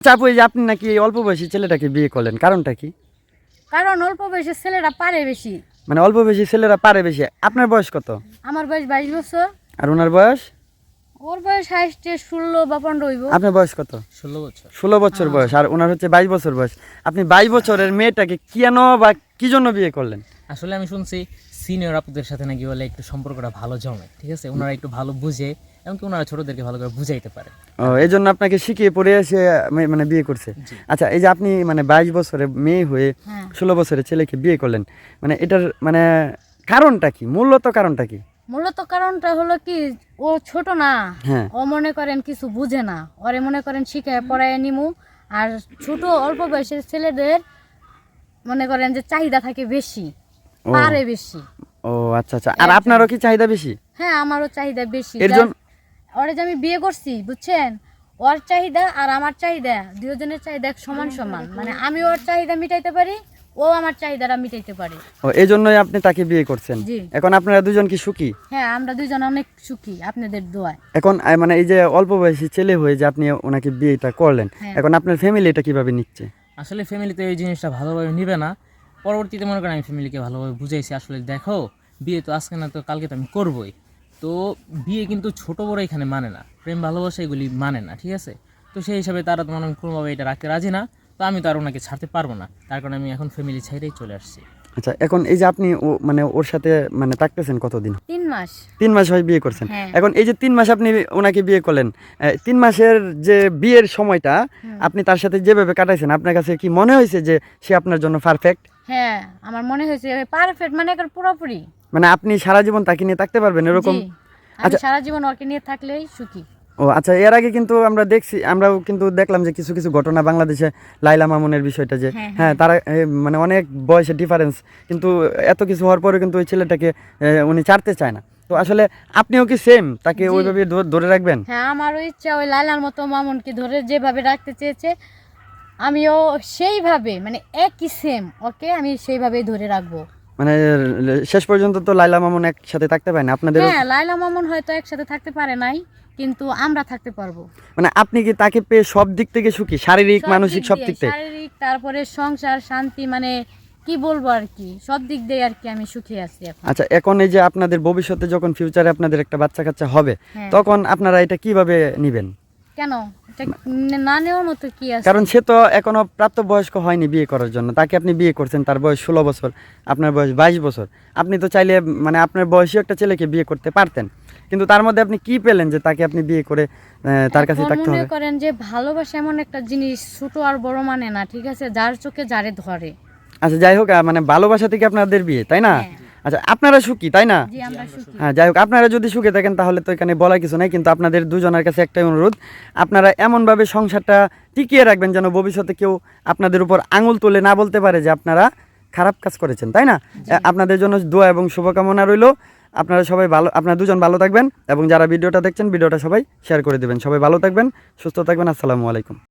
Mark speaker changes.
Speaker 1: চাপু, এই যে আপনি নাকি এই অল্প বয়সী ছেলেটাকে বিয়ে করলেন, কারণটা কি?
Speaker 2: কারণ অল্প বয়সের ছেলেরা পারে বেশি।
Speaker 1: মানে অল্প বয়সী ছেলেরা পারে বেশি। আপনার বয়স কত?
Speaker 2: আমার বয়স 22 বছর।
Speaker 1: আর ওনার বয়স?
Speaker 2: ওর বয়স হাইস্টে 16 বা 15 হইব।
Speaker 1: আপনার বয়স কত?
Speaker 3: 16 বছর।
Speaker 1: 16 বছর বয়স, আর ওনার হচ্ছে 22 বছর বয়স। আপনি 22 বছরের মেয়েটাকে কেন বা কি জন্য বিয়ে করলেন?
Speaker 3: আসলে আমি শুনছি সিনিয়র আপুদের সাথে নাকি বলে একটু সম্পর্কটা ভালো জমে, ঠিক আছে, ওনারা একটু ভালো বুঝে, এমনকি ওনারা ছোটদেরকে ভালো করে বুঝাইতে পারে।
Speaker 1: ও, এই জন্য আপনাকে শিখিয়ে পড়ে এসে মানে বিয়ে করছে। আচ্ছা, এই যে আপনি মানে 22 বছরের মেয়ে হয়ে 16 বছরের ছেলেকে বিয়ে করলেন, মানে এটার মানে কারণটা কি, মূলত কারণটা কি?
Speaker 2: মূলত কারণটা হলো কি, ও ছোট না,
Speaker 1: হ্যাঁ।
Speaker 2: ও মনে করেন কিছু বুঝে না, ওরে মনে করেন শিখায় পড়ায় নিমু। আর ছোট অল্প বয়সের ছেলেদের মনে করেন যে চাহিদা থাকে বেশি, পারে বেশি।
Speaker 1: ও আচ্ছা আচ্ছা, আর আপনারও কি চাহিদা বেশি?
Speaker 2: হ্যাঁ, আমারও চাহিদা বেশি।
Speaker 1: এর জন্য
Speaker 2: ওরে যে আমি বিয়ে করছি, বুঝছেন, ওর চাহিদা আর আমার চাহিদা দুজনের চাহিদা সমান সমান। মানে আমি ওর চাহিদা মিটাইতে পারি, ও আমার চাহিদাটা মিটাইতে পারে।
Speaker 1: ও, এই জন্যই আপনি তাকে বিয়ে করছেন।
Speaker 2: জি।
Speaker 1: এখন আপনারা দুজন কি সুখী?
Speaker 2: হ্যাঁ, আমরা দুজন অনেক সুখী আপনাদের দোয়ায়।
Speaker 1: এখন মানে এই যে অল্প বয়সী ছেলে হয়ে যে আপনি ওনাকে বিয়েটা করলেন, এখন আপনার ফ্যামিলি এটা কিভাবে নিচ্ছে?
Speaker 3: আসলে ফ্যামিলিতে এই জিনিসটা ভালোভাবে নিবে না। পরবর্তীতে মনে করেন আমি ফ্যামিলিকে ভালোভাবে বুঝাইছি, আসলে দেখো বিয়ে তো আজকে না তো কালকে তো আমি করবই। তো বিয়ে কিন্তু ছোট বড় এখানে মানে না, প্রেম ভালোবাসা এগুলি মানে না, ঠিক আছে। তো সেই হিসাবে তারা তো মনে হয় কোনোভাবে এটা রাখতে রাজি না। তো আমি তো আর ওনাকে ছাড়তে পারবো না, তার কারণে আমি এখন ফ্যামিলি ছেড়েই চলে আসছি।
Speaker 1: আচ্ছা, এখন এই যে আপনি মানে ওর সাথে মানে থাকতেছেন কতদিন?
Speaker 2: 3 মাস।
Speaker 1: 3 মাস হয় বিয়ে করছেন।
Speaker 2: হ্যাঁ।
Speaker 1: এখন এই যে 3 মাস আপনি ওনাকে বিয়ে করলেন, 3 মাসের যে বিয়ের সময়টা আপনি তার সাথে যেভাবে কাটাইছেন, আপনার কাছে কি মনে হয়েছে যে সে আপনার জন্য পারফেক্ট?
Speaker 2: হ্যাঁ, আমার মনে হয়েছে পারফেক্ট, মানে একবার পুরোপুরি।
Speaker 1: মানে আপনি সারা জীবন তাকে নিয়ে থাকতে পারবেন এরকম?
Speaker 2: জি, আমি সারা জীবন ওকে নিয়ে থাকলেই সুখী।
Speaker 1: ও আচ্ছা, এর আগে কিন্তু আমরাও কিন্তু দেখলাম যে কিছু কিছু ঘটনা বাংলাদেশে, লাইলা মামুনের বিষয়টা যে হ্যাঁ তারা মানে অনেক বয়সের ডিফারেন্স, কিন্তু এত কিছু হওয়ার পরে কিন্তু ওই ছেলেটাকে উনি ছাড়তে চায় না। তো আসলে আপনিও কি সেম তাকে ওইভাবে ধরে রাখবেন?
Speaker 2: হ্যাঁ, আমারও ইচ্ছা ওই লাইলার মতো মামুনকে ধরে যেভাবে রাখতে চেয়েছে, আমিও সেইভাবে, মানে একই সেম ওকে আমি সেইভাবেই ধরে রাখবো।
Speaker 1: মানে শেষ পর্যন্ত তো লাইলা মামুন একসাথে থাকতে পারে না আপনাদের?
Speaker 2: হ্যাঁ, লাইলা মামুন হয়তো একসাথে থাকতে পারে নাই, কিন্তু আমরা থাকতে পারবো।
Speaker 1: মানে আপনি কি তাকে পেয়ে সব দিক থেকে সুখী, শারীরিক মানসিক সব দিক থেকে?
Speaker 2: শারীরিক, তারপরে সংসার শান্তি, মানে কি বলবো আর কি, সব দিক দিয়ে আর কি আমি সুখী আছি এখন।
Speaker 1: আচ্ছা, এখন এই যে আপনাদের ভবিষ্যতে যখন ফিউচারে আপনাদের একটা বাচ্চা কাচ্চা হবে, তখন আপনারা এটা কিভাবে নিবেন?
Speaker 2: কেন, এটা না নেওয়ার মতো কি আছে?
Speaker 1: কারণ সে তো এখনো প্রাপ্তবয়স্ক হয়নি বিয়ে করার জন্য, তাকে আপনি বিয়ে করছেন, তার বয়স 16 বছর, আপনার বয়স 22 বছর। আপনি তো চাইলে মানে আপনার বয়সী একটা ছেলেকে বিয়ে করতে পারতেন, কিন্তু তার মধ্যে আপনি কি পেলেন যে তাকে আপনি বিয়ে করে তার কাছে থাকতে হবে?
Speaker 2: মনে করেন যে ভালোবাসা এমন একটা জিনিস, ছোট আর বড় মানে না, ঠিক আছে, যার চোখে যারে ধরে।
Speaker 1: আচ্ছা, যাই হোক, মানে ভালোবাসা থেকে আপনাদের বিয়ে, তাই না? আচ্ছা, আপনারা সুখী, তাই না?
Speaker 2: জি, আমরা সুখী।
Speaker 1: হ্যাঁ, যাই হোক, আপনারা যদি সুখে থাকেন তাহলে তো এখানে বলার কিছু নাই, কিন্তু আপনাদের দুজনের কাছে একটাই অনুরোধ, আপনারা এমনভাবে সংসারটা টিকিয়ে রাখবেন যেন ভবিষ্যতে কেউ আপনাদের উপর আঙুল তুলে না বলতে পারে যে আপনারা খারাপ কাজ করেছেন, তাই না? আপনাদের জন্য দোয়া এবং শুভকামনা রইল। আপনারা সবাই ভালো, আপনারা দুজন ভালো থাকবেন, এবং যারা ভিডিওটা দেখছেন ভিডিওটা সবাই শেয়ার করে দেবেন। সবাই ভালো থাকবেন, সুস্থ থাকবেন। আসসালামু আলাইকুম।